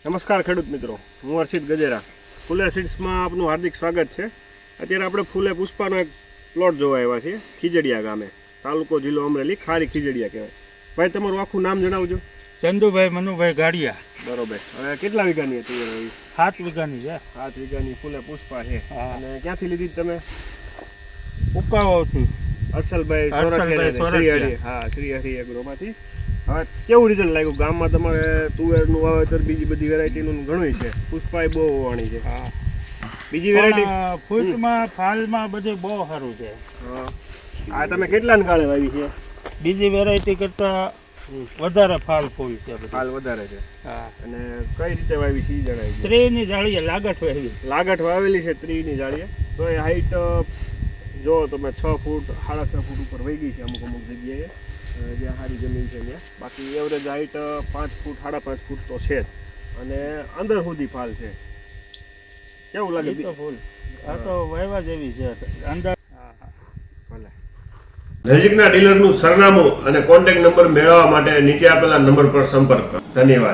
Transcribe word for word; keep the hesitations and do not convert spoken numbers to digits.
નમસ્કાર ખેડૂત મિત્રો, હું હર્ષિત ગજેરા. ફૂલે સીડ્સમાં આપનું હાર્દિક સ્વાગત છે. અત્યારે આપણે ફૂલે પુષ્પાનો એક પ્લોટ જોવા આવ્યા છીએ ખીજડીયા ગામે, તાલુકો જિલ્લો અમરેલી, ખારી ખીજડીયા કહેવાય. ભાઈ, તમારું આખું નામ જણાવજો. ચંદુભાઈ મનુભાઈ ગાડિયા. બરોબર. હવે કેટલા વીઘાની હતી એવી? સાત વીઘાની છે. સાત વીઘાની ફૂલે પુષ્પા છે. અને ક્યાંથી લીધી તમે? ઉકાવાથી. હર્ષલભાઈ હર્ષલભાઈ સોરઠિયા. હા, શ્રી હરિ એગ્રોમાંથી. હવે કેવું રિઝલ્ટ લાગ્યું? ગામમાં તમારે તુવેરનું વાવેતર, બીજી બધી વેરાયટીનું ઘણું છે, પુષ્પા બહુ વાણી છે. હા, બીજી વેરાયટી ફૂટમાં ફાલમાં બધે બહુ સારું છે. હા, આ તમે કેટલાને ગાળે વાવી છે? બીજી વેરાયટી કરતા વધારે ફાલ ફૂલ છે. ફાલ વધારે છે. હા. અને કઈ રીતે વાવી છે એ જણાવી દો. ત્રીની જાળીએ લાગઠ વાવી. લાગઠ વાવેલી છે ત્રીની જાળીએ. તો એ હાઈટ જો તમે છ ફૂટ સાડા છ ફૂટ ઉપર વહી ગઈ છે અમુક અમુક જગ્યાએ, જ્યાં સારી જમીન છે ત્યાં. બાકી એવરેજ હાઈટ પાંચ ફૂટ સાડા પાંચ ફૂટ તો છે જ. અને અંદર સુધી ફાલ છે. કેવું લાગે? ફૂલ આ તો વાવ્યા જેવી છે અંદર. નજીકના ડીલરનું સરનામું અને કોન્ટેક્ટ નંબર મેળવવા માટે નીચે આપેલા નંબર પર સંપર્ક કરો. ધન્યવાદ.